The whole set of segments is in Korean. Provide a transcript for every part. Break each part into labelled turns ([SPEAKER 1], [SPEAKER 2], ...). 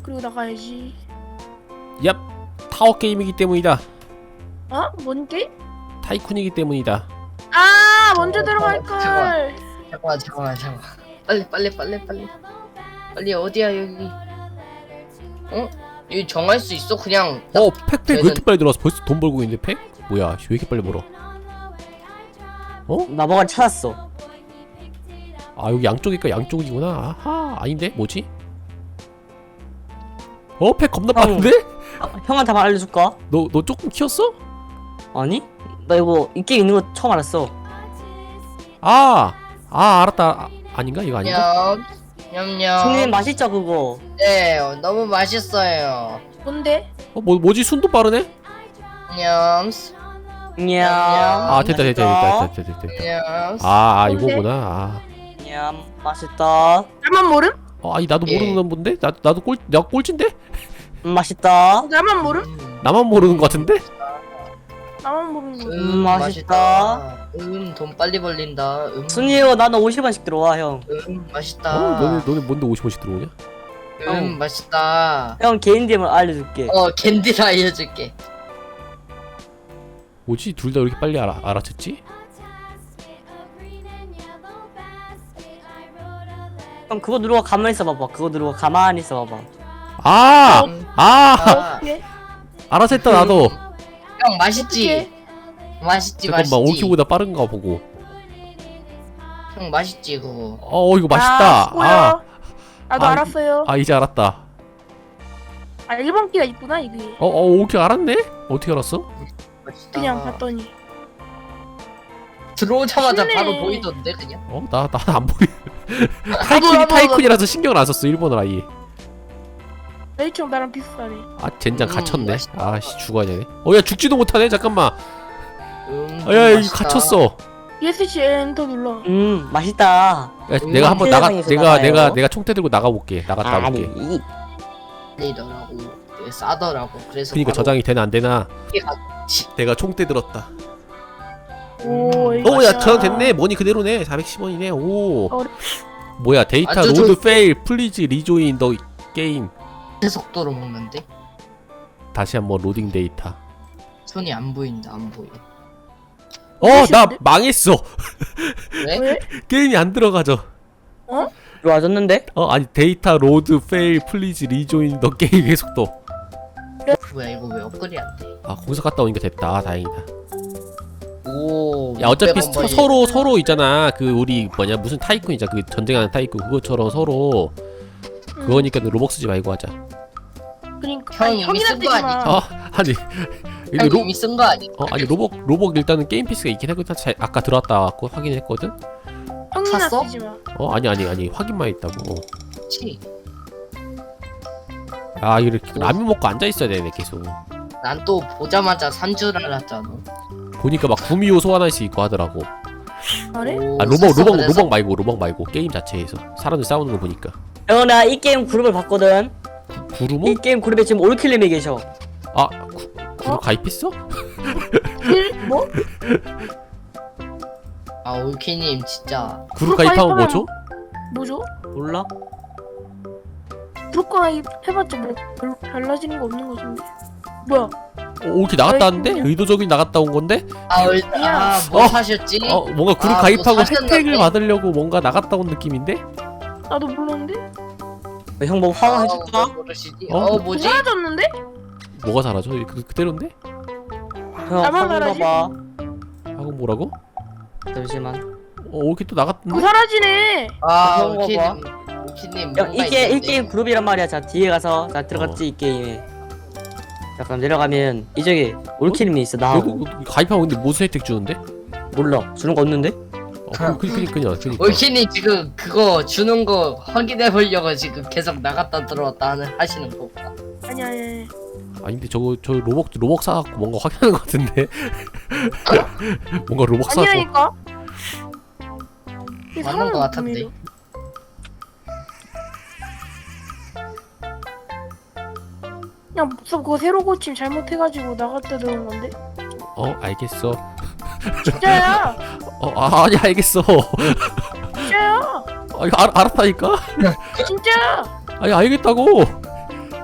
[SPEAKER 1] 그리고 나가야지.
[SPEAKER 2] 얍! 타워 게임이기 때문이다.
[SPEAKER 1] 어? 뭔 게임?
[SPEAKER 2] 타이쿤이기 때문이다.
[SPEAKER 1] 아 먼저 들어갈걸.
[SPEAKER 3] 잠깐만. 빨리 어디야 여기? 어? 여기 정할 수 있어? 그냥.
[SPEAKER 2] 팩 왜 이렇게 빨리 들어왔어? 벌써 돈 벌고 있는데 팩? 뭐야 왜 이렇게 빨리 벌어? 어?
[SPEAKER 4] 나 뭐가 찾았어.
[SPEAKER 2] 아 여기 양쪽이니까 양쪽이구나. 아하 아닌데? 뭐지? 팩 겁나 빠른데?
[SPEAKER 4] 형한테 한번 알려줄까?
[SPEAKER 2] 너 조금 키웠어?
[SPEAKER 4] 아니? 나 이거 이 게임 있는 거 처음 알았어.
[SPEAKER 2] 알았다. 아닌가? 이거 아닌가?
[SPEAKER 3] 냠냠.
[SPEAKER 4] 형님 맛있죠 그거?
[SPEAKER 3] 네, 너무 맛있어요.
[SPEAKER 1] 뭔데?
[SPEAKER 2] 뭐지? 순도 빠르네?
[SPEAKER 3] 냠.
[SPEAKER 4] 냠.
[SPEAKER 2] 됐다.
[SPEAKER 3] 냠.
[SPEAKER 1] 뭔데?
[SPEAKER 2] 이거구나.
[SPEAKER 4] 냠 맛있다.
[SPEAKER 1] 나만 모름?
[SPEAKER 2] 아니 나도
[SPEAKER 3] 예.
[SPEAKER 2] 모르는 건데? 나도 내가 꼴찌인데?
[SPEAKER 4] 맛있다.
[SPEAKER 1] 나만 모름?
[SPEAKER 2] 나만 모르는 거 같은데?
[SPEAKER 1] 나만 모르는 거.
[SPEAKER 4] 맛있다.
[SPEAKER 3] 돈 빨리 벌린다.
[SPEAKER 4] 순이요 나는 50원씩 들어와 형.
[SPEAKER 3] 맛있다.
[SPEAKER 2] 너네 뭔데 50원씩 들어오냐?
[SPEAKER 3] 맛있다.
[SPEAKER 4] 형 개인 DM을 알려줄게.
[SPEAKER 3] 캔디를 알려줄게.
[SPEAKER 2] 뭐지? 둘 다 이렇게 빨리 알아챘지?
[SPEAKER 4] 형 그거 누르고 가만히 있어봐봐. 그거 누르고 가만히 있어봐봐.
[SPEAKER 1] 어떻게?
[SPEAKER 2] 알아서 했다 나도.
[SPEAKER 3] 형 맛있지? 맛있지.
[SPEAKER 2] 잠깐만 올키보다 빠른가 보고.
[SPEAKER 3] 형 맛있지 그거.
[SPEAKER 2] 이거 맛있다.
[SPEAKER 1] 수고요. 나도
[SPEAKER 2] 아,
[SPEAKER 1] 알았어요.
[SPEAKER 2] 이제 알았다.
[SPEAKER 1] 1번 끼가 있구나 이게.
[SPEAKER 2] 올키 알았네? 어떻게 알았어?
[SPEAKER 3] 맛있다.
[SPEAKER 1] 그냥 봤더니.
[SPEAKER 3] 들어오자마자
[SPEAKER 1] 쉽네.
[SPEAKER 3] 바로 보이던데 그냥.
[SPEAKER 2] 나 안 보이.
[SPEAKER 1] 나도.
[SPEAKER 2] 타이쿤이라서 신경을 안 썼어 일본어 아예.
[SPEAKER 1] 레이청 나랑 비슷하네.
[SPEAKER 2] 젠장 갇혔네.
[SPEAKER 3] 맛있다.
[SPEAKER 2] 죽어야 되네. 야 죽지도 못하네. 잠깐만. 야 여기
[SPEAKER 3] 맛있다.
[SPEAKER 2] 갇혔어.
[SPEAKER 1] ESC 엔터 눌러.
[SPEAKER 4] 맛있다.
[SPEAKER 2] 야, 내가 한번
[SPEAKER 4] 세상에서
[SPEAKER 2] 내가
[SPEAKER 4] 나가요.
[SPEAKER 2] 총대 들고 나가볼게. 나갔다 올게.
[SPEAKER 3] 아니더라고. 싸더라고. 그래서.
[SPEAKER 2] 그니까
[SPEAKER 3] 바로
[SPEAKER 2] 저장이 되나 안 되나.
[SPEAKER 3] 이게 같이.
[SPEAKER 2] 내가 총대 들었다.
[SPEAKER 1] 오.
[SPEAKER 2] 야 저장 됐네. 머니 그대로네. 410원이네. 오.
[SPEAKER 1] 어려-
[SPEAKER 2] 뭐야 데이터
[SPEAKER 3] 아주
[SPEAKER 2] 로드 페일 플리즈 리조인 더 게임.
[SPEAKER 3] 속도로 먹는데
[SPEAKER 2] 다시 한번 로딩 데이터.
[SPEAKER 3] 손이 안 보인다. 안 보여.
[SPEAKER 2] 나
[SPEAKER 1] 싫은데?
[SPEAKER 2] 망했어.
[SPEAKER 3] 왜?
[SPEAKER 1] 왜?
[SPEAKER 2] 게임이 안 들어가죠.
[SPEAKER 4] 들어와줬는데?
[SPEAKER 2] 아니 데이터 로드 페일 플리즈 리조인 더 게임의 속도.
[SPEAKER 3] 뭐야 이거 왜 업글이 안 돼?
[SPEAKER 2] 거기서 갔다 오니까 됐다. 다행이다.
[SPEAKER 3] 오.
[SPEAKER 2] 야 어차피
[SPEAKER 3] 600원 벌리.
[SPEAKER 2] 서로 있잖아. 그 우리 뭐냐 무슨 타이쿤 있잖아. 그 전쟁하는 타이쿤 그것처럼 서로 그거니까 로벅 쓰지 말고 하자.
[SPEAKER 1] 그러니까
[SPEAKER 3] 형 이미 쓴 거
[SPEAKER 2] 아니
[SPEAKER 3] 형
[SPEAKER 2] 로,
[SPEAKER 3] 이미 쓴 거 아니?
[SPEAKER 2] 아니 로벅 일단은 게임 피스가 있긴 했거든. 아까 들어왔다 왔고 확인했거든.
[SPEAKER 1] 형이나
[SPEAKER 3] 샀어?
[SPEAKER 1] 쓰지 마.
[SPEAKER 2] 아니 확인만 했다고.
[SPEAKER 3] 그렇지.
[SPEAKER 2] 이렇게 라면 먹고 앉아 있어야 되네 계속.
[SPEAKER 3] 난 또 보자마자 산 줄 알았잖아.
[SPEAKER 2] 보니까 막 구미호 소환할 수 있고 하더라고.
[SPEAKER 1] 그래?
[SPEAKER 3] 오,
[SPEAKER 2] 로벅 말고 게임 자체에서 사람들 싸우는 거 보니까.
[SPEAKER 4] 형 나 이 게임 그룹을 봤거든.
[SPEAKER 2] 구루모?
[SPEAKER 4] 이 게임 그룹에 지금 올킬님이 계셔.
[SPEAKER 2] 구루 가입했어?
[SPEAKER 1] 뭐?
[SPEAKER 3] 올키님 진짜.
[SPEAKER 2] 구루 가입하면 뭐 줘?
[SPEAKER 1] 뭐죠?
[SPEAKER 4] 몰라?
[SPEAKER 1] 브로커 해봤자 뭐 별로 달라지는 거 없는 거 같은데. 뭐야?
[SPEAKER 2] 올키 나갔다 왔는데?
[SPEAKER 1] 그냥-
[SPEAKER 2] 의도적인 나갔다 온 건데?
[SPEAKER 3] 뭐 사셨지?
[SPEAKER 2] 뭔가 구루
[SPEAKER 3] 뭐
[SPEAKER 2] 가입하고
[SPEAKER 3] 사셨는데?
[SPEAKER 2] 혜택을 받으려고 뭔가 나갔다 온 느낌인데?
[SPEAKER 1] 나도 몰랐는데?
[SPEAKER 4] 형 뭐 화가 해줄까?
[SPEAKER 3] 모르시지?
[SPEAKER 1] 뭐
[SPEAKER 3] 뭐지?
[SPEAKER 1] 사라졌는데?
[SPEAKER 2] 뭐가 사라져? 그대로인데?
[SPEAKER 4] 형
[SPEAKER 1] 나만
[SPEAKER 4] 화가
[SPEAKER 1] 말하지?
[SPEAKER 4] 봐봐.
[SPEAKER 2] 하고 뭐라고?
[SPEAKER 4] 잠시만.
[SPEAKER 2] 올키 또 나갔던데?
[SPEAKER 1] 그거 사라지네.
[SPEAKER 4] 그런 거
[SPEAKER 3] 올키님.
[SPEAKER 4] 형 이 게임 그룹이란 말이야. 자 뒤에 가서 나 들어갔지 이 게임에. 잠깐 내려가면 이쪽에 올킬님이 있어 나.
[SPEAKER 2] 가입하면 근데 무슨 혜택 주는데?
[SPEAKER 4] 몰라 주는 거 없는데?
[SPEAKER 2] 그니까.
[SPEAKER 3] 올키님 지금 그거 주는 거 확인해 보려고 지금 계속 나갔다 들어왔다 하시는 거.
[SPEAKER 1] 아니야.
[SPEAKER 2] 아니 근데 저 로벅 사갖고 뭔가 확인하는 것 같은데? 뭔가 로벅 사갖고
[SPEAKER 1] 아니라니까.
[SPEAKER 3] 맞는 거 같은데.
[SPEAKER 1] 그냥 그거 새로 고침 잘못해가지고 나갔다 들어온 건데.
[SPEAKER 2] 알겠어.
[SPEAKER 1] 진짜야.
[SPEAKER 2] 아니 알겠어.
[SPEAKER 1] 진짜야.
[SPEAKER 2] 이거 알았다니까?
[SPEAKER 1] 진짜야.
[SPEAKER 2] 아니 알겠다고.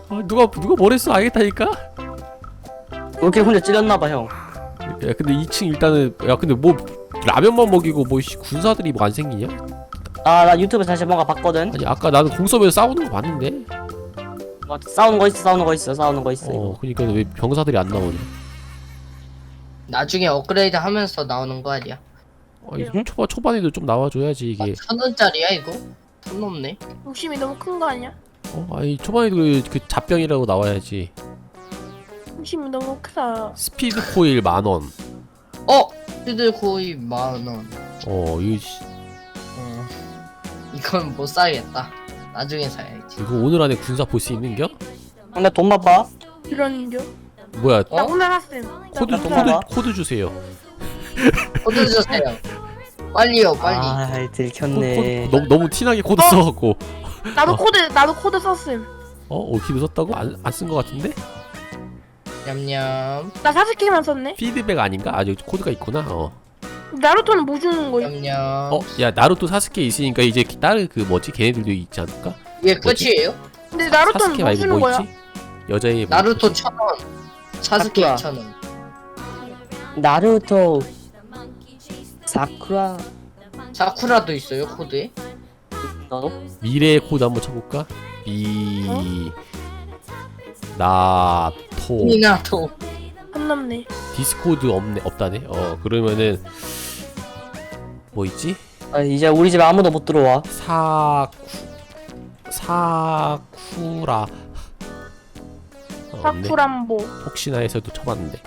[SPEAKER 2] 누가 뭐랬어 알겠다니까.
[SPEAKER 4] 올킬 혼자 찔렸나봐 형.
[SPEAKER 2] 야 근데 2층 일단은 야 근데 뭐 라면만 먹이고 뭐 군사들이 뭐 안 생기냐?
[SPEAKER 4] 아 나 유튜브 다시 뭔가 봤거든.
[SPEAKER 2] 아니 아까 나는 공섭에서 싸우는 거 봤는데.
[SPEAKER 4] 뭐, 싸우는 거 있어. 싸우는 거 있어. 이거.
[SPEAKER 2] 그니까 왜 병사들이 안 나오냐?
[SPEAKER 3] 나중에 업그레이드 하면서 나오는 거 아니야?
[SPEAKER 2] 아니 초반에도 좀 나와줘야지 이게.
[SPEAKER 3] 1,000원짜리야 이거? 돈 넘네.
[SPEAKER 1] 욕심이 너무 큰 거 아니야?
[SPEAKER 2] 아니 초반에도 그 잡병이라고 나와야지.
[SPEAKER 1] 욕심이 너무 크다.
[SPEAKER 2] 스피드 코일 10,000원.
[SPEAKER 3] 스피드 거의 10,000원. 이건 못 사겠다. 나중에 사야지.
[SPEAKER 2] 이거 오늘 안에 군사 볼 수 있는겨?
[SPEAKER 4] 근데 돈 봐봐.
[SPEAKER 1] 이런겨?
[SPEAKER 2] 뭐야?
[SPEAKER 1] 나 오늘 학생.
[SPEAKER 2] 코드 주세요.
[SPEAKER 3] 코드 주세요. 빨리요, 빨리.
[SPEAKER 4] 아 들켰네.
[SPEAKER 2] 너무 티나게 코드 써갖고.
[SPEAKER 1] 나도 코드 썼음.
[SPEAKER 2] 오키도 썼다고? 안 쓴 거 같은데?
[SPEAKER 3] 냠냠.
[SPEAKER 1] 나 4스키만 썼네.
[SPEAKER 2] 피드백 아닌가? 아 여기 코드가 있구나.
[SPEAKER 1] 나루토는 뭐 주는 거야?
[SPEAKER 3] 냠냠.
[SPEAKER 2] 야 나루토 사스케 있으니까 이제 다른 그 뭐지? 걔네들도 있지 않을까?
[SPEAKER 3] 이게 끝이에요?
[SPEAKER 1] 근데 나루토는
[SPEAKER 2] 사스케
[SPEAKER 1] 뭐
[SPEAKER 2] 말고
[SPEAKER 1] 주는
[SPEAKER 2] 뭐
[SPEAKER 1] 거야?
[SPEAKER 2] 있지? 여자의 뭐
[SPEAKER 3] 나루토
[SPEAKER 2] 있지?
[SPEAKER 3] 1,000원. 사스케
[SPEAKER 4] 사쿠라.
[SPEAKER 3] 2,000원.
[SPEAKER 4] 나루토 사쿠라
[SPEAKER 3] 사쿠라도 있어요, 코드에?
[SPEAKER 4] 너도?
[SPEAKER 2] 미래의 코드 한번 쳐볼까? 나토
[SPEAKER 3] 미나토.
[SPEAKER 1] 안 남네.
[SPEAKER 2] 디스코드 없다네. 그러면은 뭐 있지?
[SPEAKER 4] 아, 이제 우리 집에 아무도 못 들어와.
[SPEAKER 2] 사쿠라 없네.
[SPEAKER 1] 사쿠란보
[SPEAKER 2] 혹시나 해서도 쳐봤는데.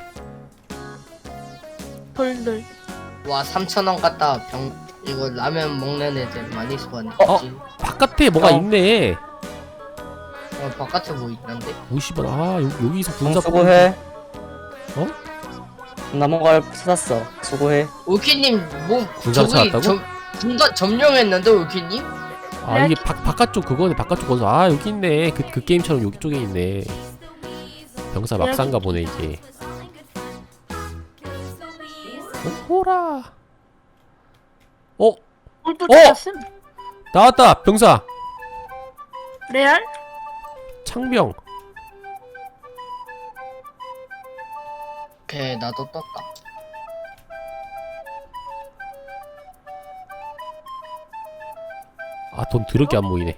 [SPEAKER 1] 돌들.
[SPEAKER 3] 와, 3,000원 갖다 이거 라면 먹는 애들 많이 소환했지.
[SPEAKER 2] 바깥에 뭐가 있네.
[SPEAKER 3] 바깥에 뭐 있는데?
[SPEAKER 2] 50원. 여기서 군사
[SPEAKER 4] 수고해.
[SPEAKER 2] 어?
[SPEAKER 4] 나 뭔가를 찾았어. 수고해.
[SPEAKER 3] 울키님 뭐
[SPEAKER 2] 군사 찾았다고?
[SPEAKER 3] 군사 점령했는데 울키님?
[SPEAKER 2] 이게 바깥쪽 그거네. 바깥쪽 건설. 여기 있네. 그 게임처럼 여기 쪽에 있네. 병사 막상가 보네 이게. 호라.
[SPEAKER 1] 돌도 찾았음.
[SPEAKER 2] 나왔다. 병사.
[SPEAKER 1] 레알?
[SPEAKER 2] 창병.
[SPEAKER 3] 오케이, 나도 떴다.
[SPEAKER 2] 돈 더럽게 안 보이네.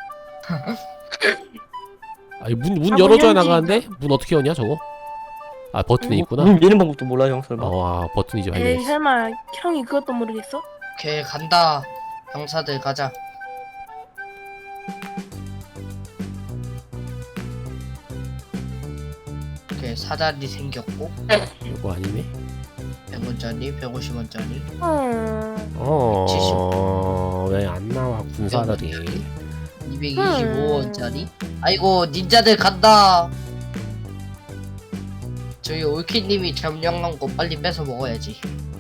[SPEAKER 2] 문 열어줘야 나가는데? 문 어떻게 여냐 저거? 버튼이 있구나.
[SPEAKER 4] 문 여는 방법도 몰라 형 설마.
[SPEAKER 2] 버튼이 이제
[SPEAKER 1] 에이
[SPEAKER 2] 발견했어.
[SPEAKER 1] 설마 형이 그것도 모르겠어?
[SPEAKER 3] 오케이, 간다. 병사들 가자. 오케이, 사다리 생겼고
[SPEAKER 2] 이거 아니네.
[SPEAKER 3] 100원짜리, 150원짜리.
[SPEAKER 2] 왜 안 나와 군사들이?
[SPEAKER 3] 225원짜리. 아이고, 닌자들 간다. 저희 올키님이 점령한 거 빨리 뺏어 먹어야지.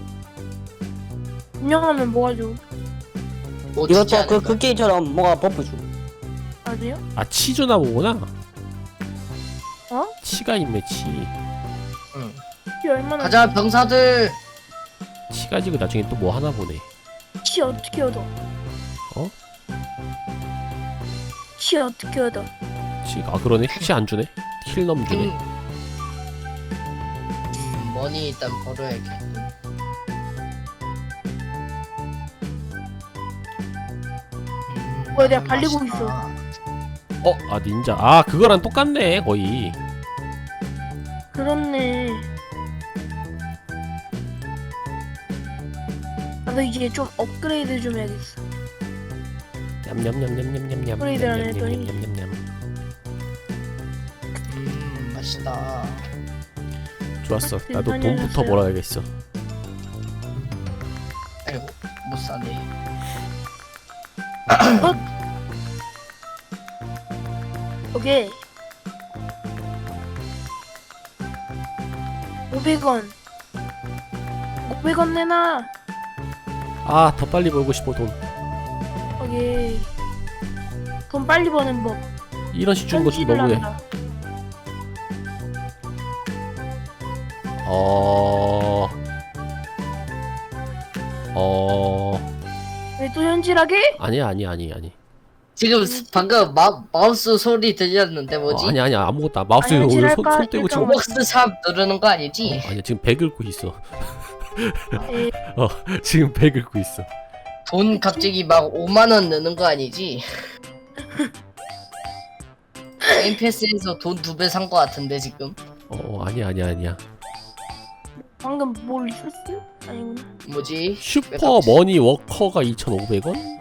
[SPEAKER 1] 운영하면 뭐가 좋아?
[SPEAKER 3] 뭐 주지
[SPEAKER 4] 이것도
[SPEAKER 3] 않을까?
[SPEAKER 4] 그 게임처럼 뭐가 버프 줘.
[SPEAKER 1] 아세요?
[SPEAKER 2] 치주나 보구나. 치가 있네 치.
[SPEAKER 3] 응.
[SPEAKER 1] 치 얼마나?
[SPEAKER 3] 가자, 병사들.
[SPEAKER 2] 치 가지고 나중에 또 뭐 하나 보네.
[SPEAKER 1] 치 어떻게 얻어? 치 어떻게 얻어?
[SPEAKER 2] 그러네. 치 안 주네. 힐 넘 주네.
[SPEAKER 3] 머니 일단 벌어야겠고.
[SPEAKER 1] 뭐야, 내가 발리고
[SPEAKER 3] 맛있다.
[SPEAKER 2] 닌자. 그거랑 똑같네 거의.
[SPEAKER 1] 그렇네. 나도 이제 좀 업그레이드 좀 해야겠어.
[SPEAKER 2] 냠냠냠냠냠냠냠.
[SPEAKER 1] 소리들 안 했더니.
[SPEAKER 2] 냠냠냠냠.
[SPEAKER 3] 맛있다.
[SPEAKER 2] 좋았어.
[SPEAKER 1] 아,
[SPEAKER 2] 나도
[SPEAKER 1] 괜찮아요,
[SPEAKER 2] 돈부터
[SPEAKER 1] 됐어요.
[SPEAKER 2] 벌어야겠어.
[SPEAKER 3] 아이고, 못 사네.
[SPEAKER 1] 오케이. 500원. 500원 내놔.
[SPEAKER 2] 더 빨리 벌고 싶어 돈.
[SPEAKER 1] 오케이. 돈 빨리 버는 법.
[SPEAKER 2] 1원씩 주는 거 좀
[SPEAKER 1] 편집을
[SPEAKER 2] 너무해.
[SPEAKER 1] 한다.
[SPEAKER 2] 어...
[SPEAKER 1] 왜 또 현질하게?
[SPEAKER 2] 아니.
[SPEAKER 3] 지금 방금 마우스 소리 들렸는데 뭐지?
[SPEAKER 2] 아니야 아무것도 마우스
[SPEAKER 1] 아니,
[SPEAKER 2] 오늘
[SPEAKER 1] 지랄까?
[SPEAKER 2] 손 떼고 지금.
[SPEAKER 3] 로벅스 샵 누르는 거 아니지?
[SPEAKER 2] 아니야 지금 배 긁고 있어.
[SPEAKER 1] 에,
[SPEAKER 2] 지금 배 긁고 있어.
[SPEAKER 3] 돈 갑자기 막 5만 원 넣는 거 아니지? 게임 패스에서 돈 2배 산 거 같은데 지금?
[SPEAKER 2] 아니야.
[SPEAKER 1] 방금 뭘 있었어? 아니구나.
[SPEAKER 3] 뭐지?
[SPEAKER 2] 슈퍼 머니 워커가 2,500원?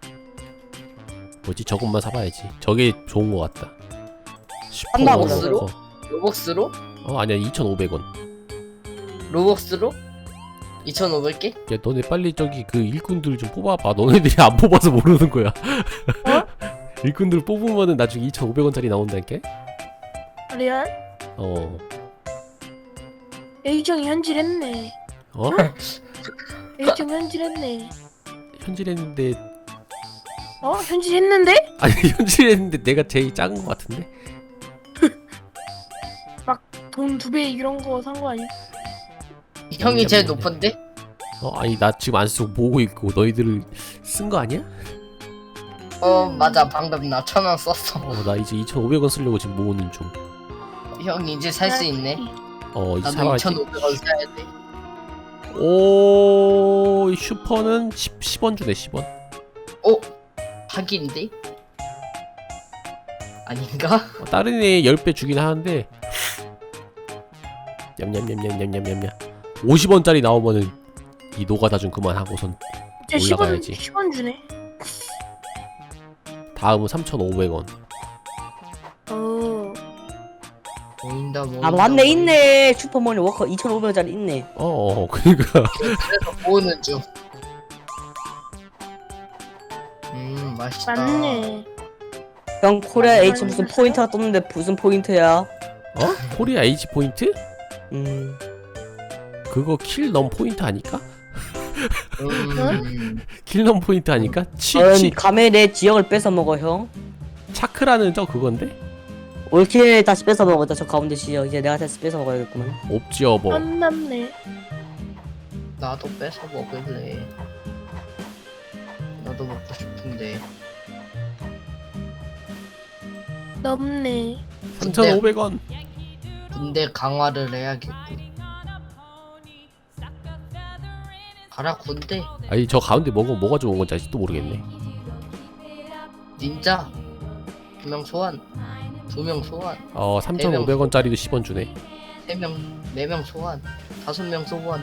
[SPEAKER 2] 뭐지 저것만 사봐야지. 저게 좋은 거 같다. 슈퍼
[SPEAKER 4] 한다,
[SPEAKER 2] 머니
[SPEAKER 3] 로벅스로?
[SPEAKER 2] 워커.
[SPEAKER 3] 로벅스로?
[SPEAKER 2] 아니야 2,500원.
[SPEAKER 3] 로벅스로? 2,500개?
[SPEAKER 2] 야 너네 빨리 저기 그 일꾼들 좀 뽑아봐. 너네들이 안 뽑아서 모르는 거야. 일꾼들 뽑으면은 나중에 2,500원짜리 나온다니까?
[SPEAKER 1] 레알?
[SPEAKER 2] 어.
[SPEAKER 1] A정이 현질했네.
[SPEAKER 2] 어?
[SPEAKER 1] A정 현질했네.
[SPEAKER 2] 현질했는데
[SPEAKER 1] 현질했는데?
[SPEAKER 2] 아니 현질했는데 내가 제일 작은 거 같은데?
[SPEAKER 1] 돈 2배 이런 거 산 거 아니야?
[SPEAKER 3] 형이 제일 높은데?
[SPEAKER 2] 아니 나 지금 안 쓰고 보고 있고 너희들을 쓴 거 아니야?
[SPEAKER 3] 맞아 방금 나 1,000원 썼어.
[SPEAKER 2] 나 이제 2,500원 쓰려고 지금 모으는 중.
[SPEAKER 3] 형 이제 살 수 있네.
[SPEAKER 2] 이제
[SPEAKER 3] 나도
[SPEAKER 2] 사봐야지.
[SPEAKER 3] 2,500원 사야 돼.
[SPEAKER 2] 오 슈퍼는 10원 주네 10원.
[SPEAKER 3] 사기인데? 아닌가?
[SPEAKER 2] 다른 애 10배 주긴 하는데 냠냠냠냠냠냠냠냠 50원짜리 나오면은 이 노가다 좀 그만하고선
[SPEAKER 1] 진짜
[SPEAKER 2] 올라가야지.
[SPEAKER 1] 10원 주네.
[SPEAKER 2] 다음은 3,500원.
[SPEAKER 3] 보인다.
[SPEAKER 4] 아 맞네 있네 슈퍼머니 워커 2,500원짜리 있네.
[SPEAKER 2] 그니까
[SPEAKER 3] 그래서 모으는 중. 맛있다.
[SPEAKER 1] 맞네.
[SPEAKER 4] 형 코리아 H 무슨 포인트가 떴는데 무슨 포인트야?
[SPEAKER 2] 코리아 H 포인트? 그거 킬 넘 포인트 아닐까? 킬 넘 포인트 아닐까?
[SPEAKER 4] 감에 내 지역을 뺏어 먹어 형.
[SPEAKER 2] 차크라는 저 그건데?
[SPEAKER 4] 올킬 다시 뺏어 먹었다 저 가운데 지역 이제 내가 다시 뺏어 먹어야겠구만.
[SPEAKER 2] 옵지어버.
[SPEAKER 1] 안 남네.
[SPEAKER 3] 나도 뺏어 먹을래. 나도 먹고 싶은데.
[SPEAKER 1] 넘네.
[SPEAKER 2] 3,500원.
[SPEAKER 3] 군대 강화를 해야겠고. 가라 군대.
[SPEAKER 2] 아니 저 가운데 뭐가 좋은 건지 아직도 모르겠네.
[SPEAKER 3] 닌자 2명 소환. 2명 소환.
[SPEAKER 2] 3,500원짜리도 10원 주네.
[SPEAKER 3] 3명 4명 소환. 5명 소환.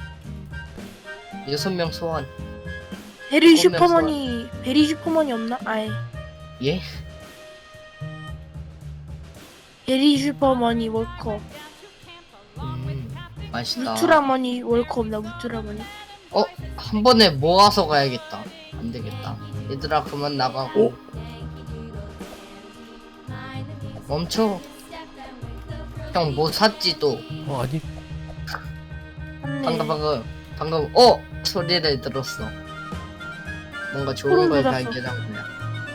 [SPEAKER 3] 6명 소환.
[SPEAKER 1] 베리
[SPEAKER 3] 소환.
[SPEAKER 1] 슈퍼머니 없나? 아예.
[SPEAKER 3] 예?
[SPEAKER 1] 베리 슈퍼머니 월컵.
[SPEAKER 3] 맛있다.
[SPEAKER 1] 우트라머니 월컵 없나? 우트라머니.
[SPEAKER 3] 한 번에 모아서 가야겠다. 안 되겠다. 얘들아 그만 나가고. 멈춰. 형 뭐 샀지 또?
[SPEAKER 2] 아니
[SPEAKER 1] 맞네.
[SPEAKER 3] 방금 소리를 들었어. 뭔가 좋은
[SPEAKER 1] 소름
[SPEAKER 3] 걸
[SPEAKER 1] 돋았어.
[SPEAKER 3] 발견한 거야.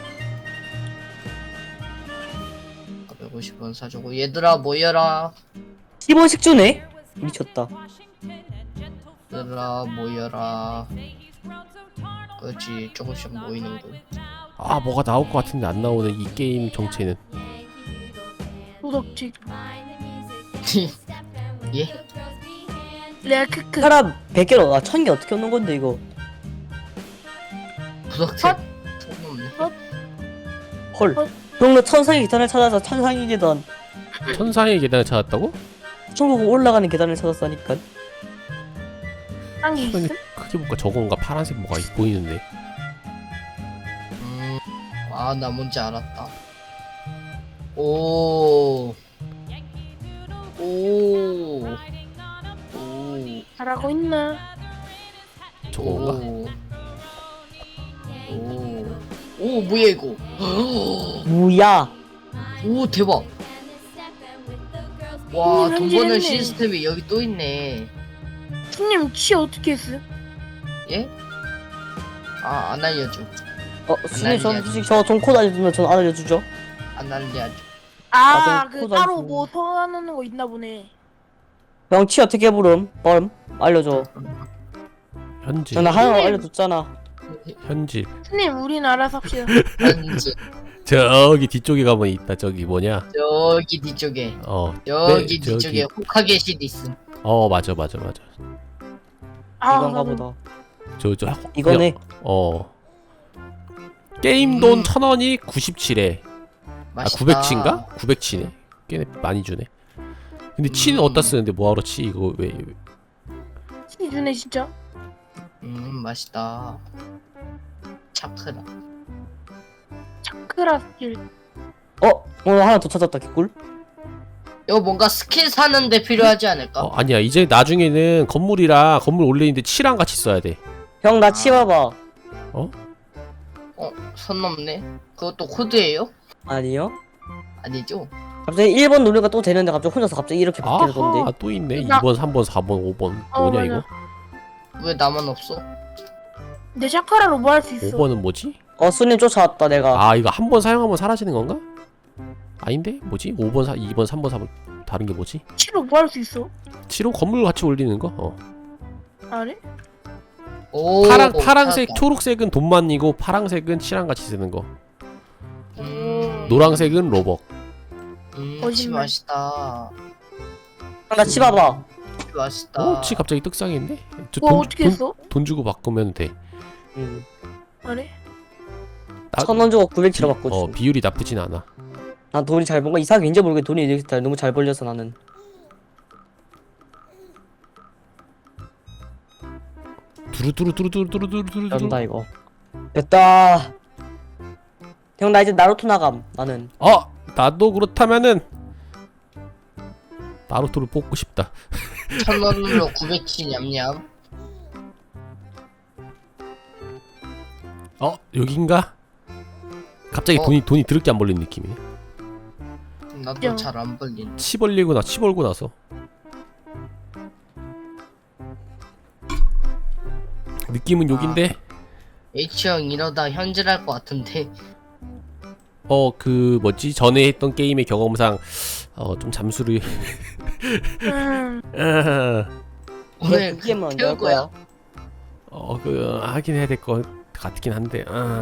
[SPEAKER 3] 150원 사주고 얘들아 모여라.
[SPEAKER 4] 10원씩 주네? 미쳤다.
[SPEAKER 3] 얘들아 모여라. 그렇지 조금씩 모이는군.
[SPEAKER 2] 뭐가 나올 것 같은데 안 나오는 이 게임 정체는.
[SPEAKER 1] 도덕질.
[SPEAKER 3] 예?
[SPEAKER 1] 레알 크크.
[SPEAKER 4] 사람 100개로 1000개 어떻게 얻는 건데 이거?
[SPEAKER 3] 부석체 소용없네.
[SPEAKER 4] 헐. 그럼 너 천상의 계단을 찾아서 천상의 계단
[SPEAKER 2] 천상의 계단을 찾았다고?
[SPEAKER 4] 천국 올라가는 계단을 찾았다니까.
[SPEAKER 1] 딴게 있음?
[SPEAKER 2] 크게 볼까 저건가 파란색 뭐가 보이는데.
[SPEAKER 3] 나 뭔지 알았다. 오.
[SPEAKER 1] 잘하고 있나?
[SPEAKER 2] 저건가?
[SPEAKER 3] 오 뭐야 이거?
[SPEAKER 4] 뭐야?
[SPEAKER 3] 오 대박. 와 돈 버는
[SPEAKER 1] 현질했네.
[SPEAKER 3] 시스템이 여기 또 있네.
[SPEAKER 1] 손님 치 어떻게 했어?
[SPEAKER 3] 예? 안 알려줘.
[SPEAKER 4] 수님 전 솔직히 저돈 코드 알려주면 전 알려주죠.
[SPEAKER 3] 안 알려줘.
[SPEAKER 1] 그
[SPEAKER 4] 코드
[SPEAKER 1] 따로
[SPEAKER 4] 알려주고.
[SPEAKER 1] 뭐 소환하는 거 있나 보네.
[SPEAKER 4] 명치 어떻게 부름? 알려줘.
[SPEAKER 2] 현지.
[SPEAKER 4] 전나 하나 알려줬잖아.
[SPEAKER 2] 현질.
[SPEAKER 1] 스님 우리는 알아서 합시다.
[SPEAKER 3] 현지
[SPEAKER 2] 저기 뒤쪽에 가면 있다. 저기 뭐냐?
[SPEAKER 3] 저기 뒤쪽에
[SPEAKER 2] 네,
[SPEAKER 3] 여기 뒤쪽에 호카게 실 있음.
[SPEAKER 2] 맞아.
[SPEAKER 1] 아,
[SPEAKER 4] 이건가
[SPEAKER 1] 나는
[SPEAKER 4] 보다.
[SPEAKER 2] 저
[SPEAKER 4] 이거네.
[SPEAKER 2] 게임 돈 1,000원이 97에.
[SPEAKER 3] 맛있다.
[SPEAKER 2] 900치인가? 900치네. 꽤 많이 주네. 근데 치는 어디다 쓰는데 뭐하러 치? 이거 왜?
[SPEAKER 1] 치 주네 진짜.
[SPEAKER 3] 맛있다. 차크라.
[SPEAKER 1] 차크라길.
[SPEAKER 4] 오늘 하나 더 찾았다 개꿀.
[SPEAKER 3] 이거 뭔가 스킬 사는데 필요하지 않을까?
[SPEAKER 2] 아니야. 이제 나중에는 건물이랑 건물 올리는데 치랑 같이 써야 돼.
[SPEAKER 4] 형 나 치봐봐.
[SPEAKER 3] 선 넘네. 그것도 코드예요?
[SPEAKER 4] 아니요?
[SPEAKER 3] 아니죠?
[SPEAKER 4] 갑자기 1번 누르니까 또 되는데 갑자기 혼자서 갑자기 이렇게 바뀌던데.
[SPEAKER 2] 아하, 또 있네.
[SPEAKER 1] 나-
[SPEAKER 2] 2번, 3번, 4번, 5번. 뭐냐
[SPEAKER 1] 맞아.
[SPEAKER 2] 이거?
[SPEAKER 3] 왜 나만 없어?
[SPEAKER 1] 내 차크라로 뭐 할 수 있어?
[SPEAKER 2] 5번은 뭐지?
[SPEAKER 4] 손님 쫓아왔다 내가.
[SPEAKER 2] 이거 한 번 사용하면 사라지는 건가? 아닌데? 뭐지? 5번, 2번, 3번, 4번. 다른 게 뭐지?
[SPEAKER 1] 치로 뭐 할 수 있어?
[SPEAKER 2] 7호 건물 같이 올리는 거?
[SPEAKER 1] 아래?
[SPEAKER 3] 오.
[SPEAKER 2] 파랑색,
[SPEAKER 3] 찾았다.
[SPEAKER 2] 초록색은 돈만이고 파랑색은 치랑 같이 쓰는 거.
[SPEAKER 3] 음.
[SPEAKER 2] 노랑색은 로벅.
[SPEAKER 3] 치
[SPEAKER 1] 거짓말.
[SPEAKER 3] 맛있다.
[SPEAKER 4] 형 나 치봐봐.
[SPEAKER 3] 치 맛있다.
[SPEAKER 2] 치 갑자기 떡상했네?
[SPEAKER 1] 뭐 어떻게 했어?
[SPEAKER 2] 돈 주고 바꾸면 돼.
[SPEAKER 1] 아래?
[SPEAKER 4] 1,000원 주고 900치러 바꿔줘.
[SPEAKER 2] 비율이 나쁘진 않아.
[SPEAKER 4] 난 돈이 잘 번 거 이상하게 왠지 모르게 돈이 이렇게 너무 잘 벌려서 나는.
[SPEAKER 2] 두루두루두루두루두루두루.
[SPEAKER 4] 된다 이거. 됐다. 형 나 이제 나루토 나감 나는.
[SPEAKER 2] 나도 그렇다면은 나루토를 뽑고 싶다.
[SPEAKER 3] 1,000원으로 900치 냠냠.
[SPEAKER 2] 여긴가? 갑자기 돈이 드럽게 안 벌리는 느낌이네.
[SPEAKER 3] 나도 잘 안 벌린.
[SPEAKER 2] 치 벌고 나서 느낌은 여긴데.
[SPEAKER 3] H형 이러다 현질할 것 같은데.
[SPEAKER 2] 그 뭐지? 전에 했던 게임의 경험상 좀 잠수를
[SPEAKER 3] 오늘
[SPEAKER 4] 그 게임은 언제
[SPEAKER 3] 태울
[SPEAKER 4] 할 거야?
[SPEAKER 2] 하긴 해야 될 것 같긴 한데.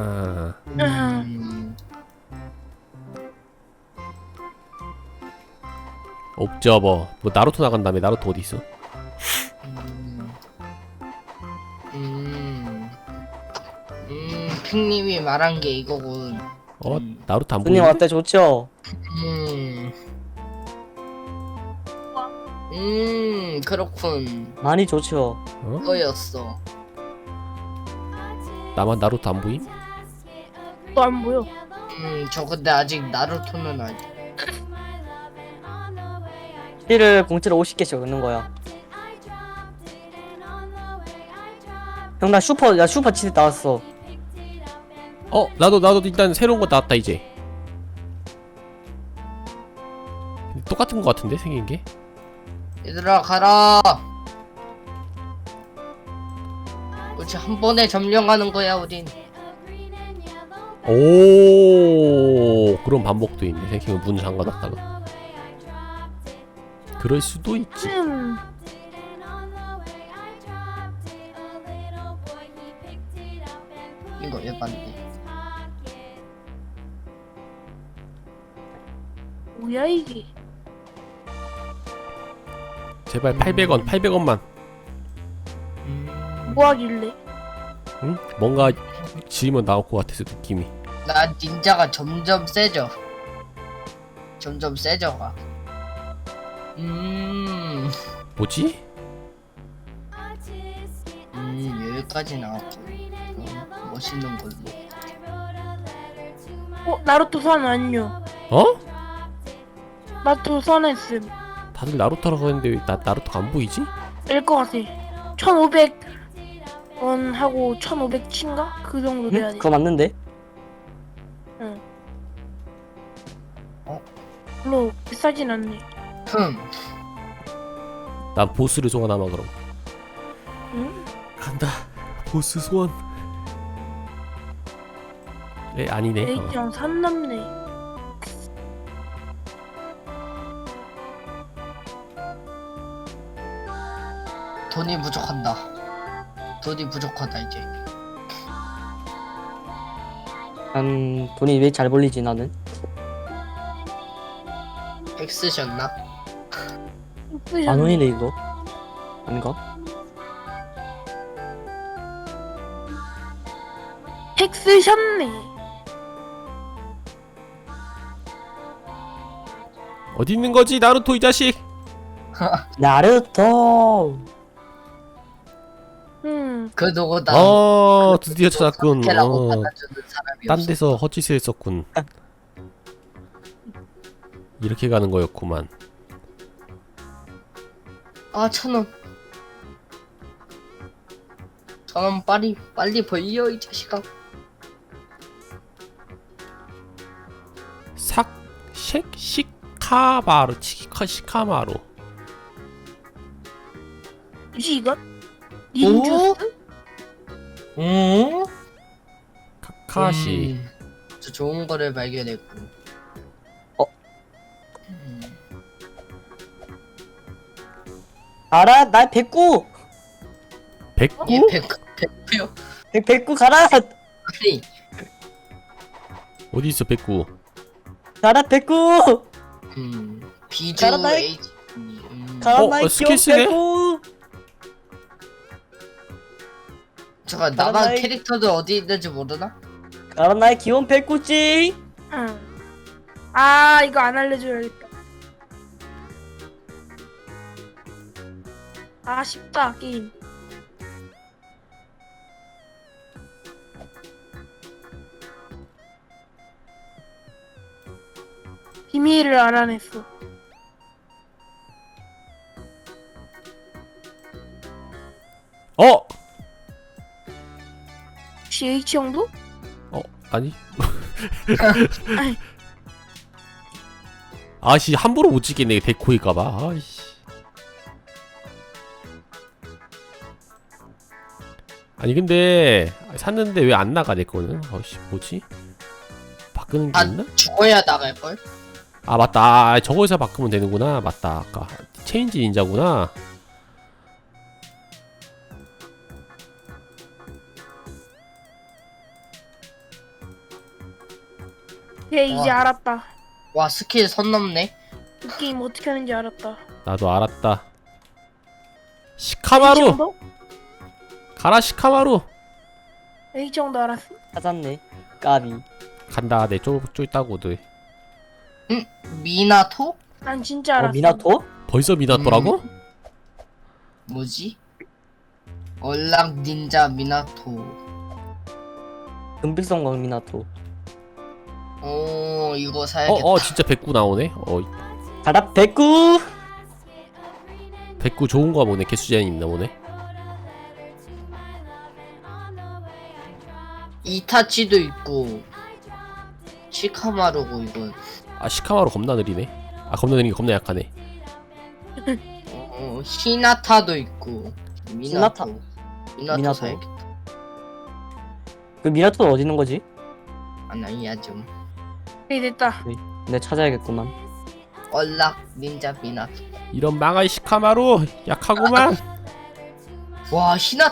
[SPEAKER 2] 옵저버. 뭐 나루토 나간다며. 나루토 어디 있어?
[SPEAKER 3] 핑님이 말한 게 이거군.
[SPEAKER 2] 나루토 안
[SPEAKER 4] 손님
[SPEAKER 2] 보이네?
[SPEAKER 4] 어때 좋죠?
[SPEAKER 3] 그렇군.
[SPEAKER 4] 많이 좋죠.
[SPEAKER 3] 그거였어.
[SPEAKER 2] 나만 나루토 안 보임?
[SPEAKER 1] 또 안 보여.
[SPEAKER 3] 저 근데 아직 나루토는 아직.
[SPEAKER 4] 치를 공짜로 50개씩 얻는 거야. 형 나 슈퍼 치즈 나왔어.
[SPEAKER 2] 나도 일단 새로운 거 나왔다 이제. 똑같은 거 같은데 생긴 게?
[SPEAKER 3] 얘들아 가라. 그렇지 한 번에 점령하는 거야 우린.
[SPEAKER 2] 오, 그런 반복도 있네. 생각해보면 문 잠가놨다가. 그럴 수도 있지.
[SPEAKER 3] 이거 예반데.
[SPEAKER 1] 뭐야 이게?
[SPEAKER 2] 제발 800원만.
[SPEAKER 1] 뭐 하길래?
[SPEAKER 2] 응? 뭔가 지으면 나올 것 같아서 느낌이.
[SPEAKER 3] 나 닌자가 점점 세져. 점점 세져가.
[SPEAKER 2] 뭐지?
[SPEAKER 3] 여기까지 나왔고. 멋있는 걸로.
[SPEAKER 1] 나루토 선 안녕. 나루토 선했음.
[SPEAKER 2] 다들 나루토라고 했는데 왜 나루토가 안 보이지?
[SPEAKER 1] 일것 같아. 1,500원 하고 1,500치인가? 그 정도 돼야 돼.
[SPEAKER 4] 그거 맞는데?
[SPEAKER 1] 별로 비싸진 않네.
[SPEAKER 2] 난 보스를 소환하마 그럼.
[SPEAKER 1] 응?
[SPEAKER 2] 간다. 보스 소환. 아니네.
[SPEAKER 1] 에이짱 산 남네.
[SPEAKER 3] 돈이 부족하다 이제.
[SPEAKER 4] 돈이 왜 잘 벌리지 나는?
[SPEAKER 3] 핵 쓰셨나?
[SPEAKER 4] 만 원이네 이거. 아닌가?
[SPEAKER 1] 핵 쓰셨네.
[SPEAKER 2] 어디 있는 거지 나루토 이 자식.
[SPEAKER 4] 나루토.
[SPEAKER 3] 그 누구 나
[SPEAKER 2] 드디어 찾았군.
[SPEAKER 3] 라고 받아주는 사람이
[SPEAKER 2] 딴
[SPEAKER 3] 없어.
[SPEAKER 2] 데서 헛짓을 했었군. 이렇게 가는 거였구만.
[SPEAKER 3] 아 1,000원. 1,000원 빨리 벌려 이 자식아.
[SPEAKER 2] 시카마루 시카마루.
[SPEAKER 1] 뭐지 이건? 닌주스?
[SPEAKER 3] 응?
[SPEAKER 2] 카카시.
[SPEAKER 3] 저 좋은 거를 발견했고.
[SPEAKER 4] 알아? 나 백구.
[SPEAKER 2] 백구?
[SPEAKER 3] 얘 100요?
[SPEAKER 4] 백구 가라.
[SPEAKER 3] 아니
[SPEAKER 2] 어디 있어 백구?
[SPEAKER 4] 가라 백구.
[SPEAKER 3] 비주
[SPEAKER 4] 가라, 나의-
[SPEAKER 3] H
[SPEAKER 4] 가라 나의
[SPEAKER 2] 스킬
[SPEAKER 4] 귀여운
[SPEAKER 2] 쓰네?
[SPEAKER 4] 백구.
[SPEAKER 3] 잠깐
[SPEAKER 4] 가라,
[SPEAKER 3] 나만
[SPEAKER 4] 나의-
[SPEAKER 3] 캐릭터도 어디 있는지 모르나?
[SPEAKER 4] 가라 나의 귀여운 백구지.
[SPEAKER 1] 응. 아 이거 안 알려줘야겠다. 아 쉽다 게임. 비밀을 알아냈어.
[SPEAKER 2] 어?
[SPEAKER 1] 혹시 H 형도?
[SPEAKER 2] 아니.
[SPEAKER 1] 아이.
[SPEAKER 2] 아씨 함부로 못 찍겠네 데코일까봐. 아이씨. 아니 근데 샀는데 왜 안 나가 내 거는? 아씨 뭐지? 바꾸는 게 있나?
[SPEAKER 3] 죽어야 나갈걸?
[SPEAKER 2] 아 맞다. 아, 저거에서 바꾸면 되는구나. 맞다. 아까 체인지 닌자구나.
[SPEAKER 1] 얘 이제
[SPEAKER 3] 와.
[SPEAKER 1] 알았다.
[SPEAKER 3] 와 스킬 선 넘네.
[SPEAKER 1] 이 게임 어떻게 하는지 알았다.
[SPEAKER 2] 나도 알았다.
[SPEAKER 1] H
[SPEAKER 2] 시카마루
[SPEAKER 1] 형도?
[SPEAKER 2] 가라 시카마루.
[SPEAKER 1] H 형도 알았어.
[SPEAKER 4] 찾았네. 까비.
[SPEAKER 2] 간다. 내 쫄 있다고들.
[SPEAKER 3] 미나토?
[SPEAKER 1] 난 진짜 알았어.
[SPEAKER 4] 미나토?
[SPEAKER 2] 벌써 미나토라고?
[SPEAKER 3] 뭐지? 얼락 닌자 미나토.
[SPEAKER 4] 금빛성광 미나토.
[SPEAKER 3] 오 이거 사야겠다.
[SPEAKER 2] 진짜 백구 나오네.
[SPEAKER 4] 가라 백구.
[SPEAKER 2] 백구 좋은 거 보네. 개수제한 있나 보네.
[SPEAKER 3] 이타치도 있고 시카마루고 이건.
[SPEAKER 2] 아 시카마루 겁나 느리네. 아 겁나 느린 게 겁나 약하네.
[SPEAKER 3] 히나타도 있고 미나토. 미나토
[SPEAKER 4] 미나토.
[SPEAKER 3] 사야겠다.
[SPEAKER 4] 그 미나토는 어디 있는 거지?
[SPEAKER 3] 아니야 좀.
[SPEAKER 1] 그래 됐다.
[SPEAKER 4] 내가 찾아야겠구만.
[SPEAKER 3] 얼락 닌자 미나토.
[SPEAKER 2] 이런 망할 시카마루 약하구만.
[SPEAKER 3] 와 히나